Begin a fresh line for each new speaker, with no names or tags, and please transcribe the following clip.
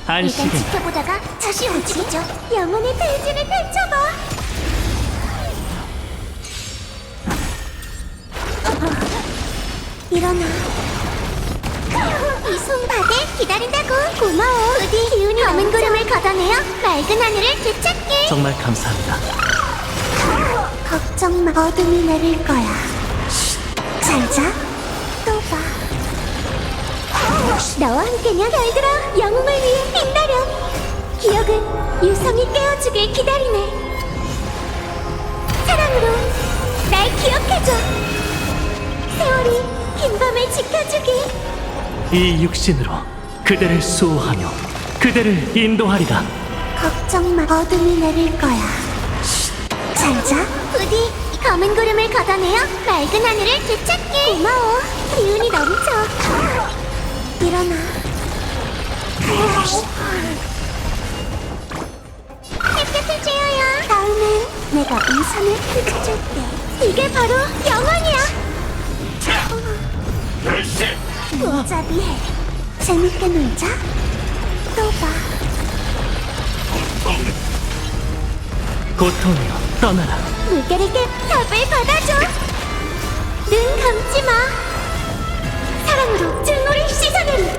안식은
일단 지켜보다가 다시 움직이죠. 영혼의 대지를 펼쳐봐. 일어나. 이 손바닥 기다린다고. 고마워. 부디 기운이 검은 구름을 걷어내어 맑은 하늘을 되찾게.
정말 감사합니다.
걱정 마. 어둠이 내릴 거야. 잘 자. 또 봐. 너와 함께면 별들아 영웅을 위해 빛나렴. 기억은 유성이 깨워주길 기다리네. 사랑으로 날 기억해줘. 세월이 긴 밤을 지켜주길.
이 육신으로 그대를 수호하며 그대를 인도하리라.
걱정 마. 어둠이 내릴 거야. 잘 자. 부디 검은 구름을 걷어내어 맑은 하늘을 되찾게. 고마워. 기운이 넘쳐. 일어나. 햇볕을 쬐어요. 다음엔 내가 이 산을 펼쳐줄게. 이게 바로 영원이야. 무자비해. 재밌게 놀자. 또 봐.
고통이여 떠나라.
물결에게 답을 받아줘. 눈 감지 마. 사랑으로 증오를 씻어내리.